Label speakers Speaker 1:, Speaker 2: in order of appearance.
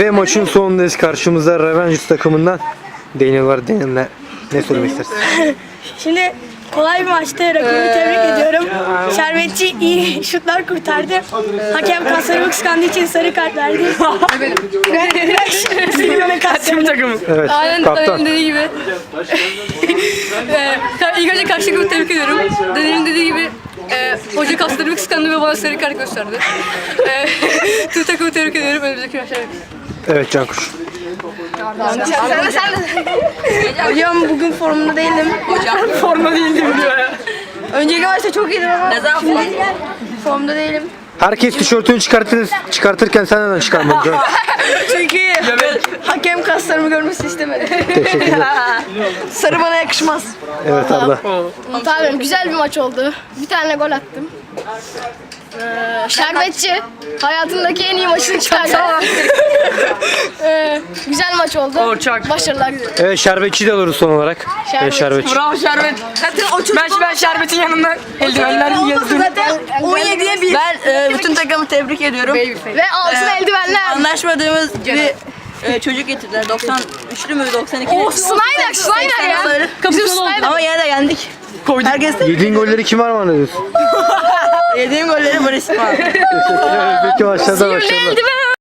Speaker 1: Ve maçın sonundayız. Karşımızda Revengers takımından Daniel var. Daniel ne söylemek istersin?
Speaker 2: Şimdi kolay bir maçtı. Rakibimi tebrik ediyorum. Şerbetçi iyi şutlar kurtardı. Hakem kaslarımı kıskandığı için sarı kart verdi. Silivana kaslarımı takımı.
Speaker 1: Evet,
Speaker 3: Aynen
Speaker 1: kaptan.
Speaker 3: dediği gibi. İlk önce karşı takımı tebrik ediyorum. Daniel'in dediği gibi hoca kaslarımı kıskandı ve bana sarı kart gösterdi. Tüm takımı tebrik ediyorum. Önümüzdeki maçlar.
Speaker 1: Evet Cankuş.
Speaker 2: Hocam bugün formda değildim. Formda değildim diyor ya. Önceki maçta çok iyiydim ama şimdi formda değilim.
Speaker 1: Herkes tişörtünü çıkartırken sen neden çıkarmadın?
Speaker 2: Çünkü hakem kaslarımı görmesini istemedim.
Speaker 1: Teşekkürler.
Speaker 2: Sarı bana yakışmaz.
Speaker 1: Evet Arda.
Speaker 4: Tamam, güzel bir maç oldu. Bir tane gol attım. Şerbetçi hayatındaki en iyi maçını çıkardı. Güzel maç oldu. Başarılar diliyorum.
Speaker 1: Evet Şerbetçi de alırız son olarak. Evet Şerbetçi.
Speaker 3: Bravo Şerbet. Zaten o çocuk ben Şerbet'in yanında eldivenler yazdım.
Speaker 2: Zaten 17'ye 1.
Speaker 5: Ben bütün takımı tebrik ediyorum.
Speaker 4: Ve altın eldivenler.
Speaker 5: Anlaşmadığımız bir çocuk getirdiler. 93'lü mü 92'li?
Speaker 4: Snyder ya. Bizim Snyder.
Speaker 5: Ama yine de yendik. Herkes de
Speaker 1: Yediğin golleri kim armağan ediyorsun?
Speaker 5: yediğim golleri Barış var.
Speaker 1: Peki başladı başarılar.